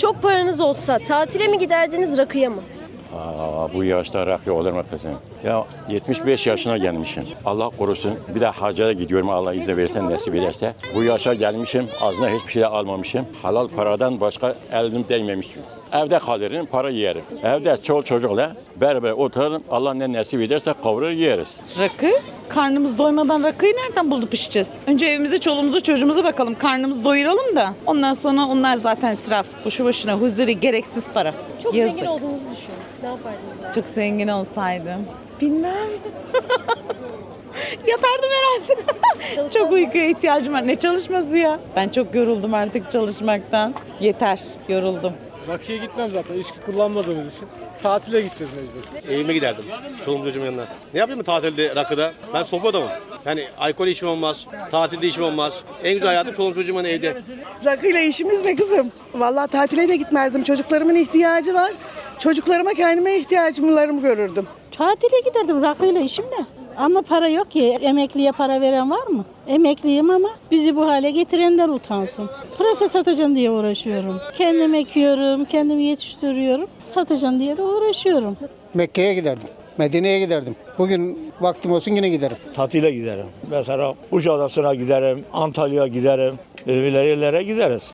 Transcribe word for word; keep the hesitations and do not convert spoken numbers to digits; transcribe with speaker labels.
Speaker 1: Çok paranız olsa tatile mi giderdiniz, rakıya mı?
Speaker 2: Aa, bu yaşta rakı olur mu kızım? Ya yetmiş beş yaşına gelmişim. Allah korusun. Bir de hacca gidiyorum, Allah izin verirse, nasip ederse. Bu yaşa gelmişim. Ağzına hiçbir şey almamışım. Halal paradan başka elim değmemişim. Evde kalırım, para yerim. Evde çoluk çocukla beraber oturalım. Allah ne nasip ederse kavurur yeriz.
Speaker 3: Rakı? Karnımız doymadan rakıyı nereden bulup içeceğiz? Önce evimize, çoluğumuza, çocuğumuza bakalım. Karnımızı doyuralım da. Ondan sonra onlar zaten israf. Boşu boşuna huzuri, gereksiz para.
Speaker 1: Çok
Speaker 3: Yazık.
Speaker 1: zengin olduğunuzu düşünün. Ne yapardınız?
Speaker 3: Çok zengin olsaydım. Bilmem. Yatardım herhalde. Çok uykuya ihtiyacım var. Ne çalışması ya? Ben çok yoruldum artık çalışmaktan. Yeter, yoruldum.
Speaker 4: Rakıya gitmem zaten içki kullanmadığımız için. Tatile gideceğiz mecbur.
Speaker 5: Evime giderdim. Çoluğum çocuğumun yanına. Ne yapayım mı tatilde rakıda? Ben sopa adamım. Yani alkol işim olmaz. Tatilde işim olmaz. En güzel hayatım çoluğum çocuğumun evde.
Speaker 6: Rakıyla işimiz ne kızım? Vallahi tatile de gitmezdim. Çocuklarımın ihtiyacı var. Çocuklarıma kendime ihtiyacımlarımı görürdüm.
Speaker 7: Tatile giderdim, rakıyla işim ne? Ama para yok ki. Emekliye para veren var mı? Emekliyim ama bizi bu hale getirenler utansın. Pırasa satacağım diye uğraşıyorum. Kendim ekiyorum, kendim yetiştiriyorum. Satacağım diye de uğraşıyorum.
Speaker 8: Mekke'ye giderdim. Medine'ye giderdim. Bugün vaktim olsun yine giderim.
Speaker 9: Tatile giderim. Mesela Kuşadası'na giderim, Antalya'ya giderim. Böyle yerlere gideriz.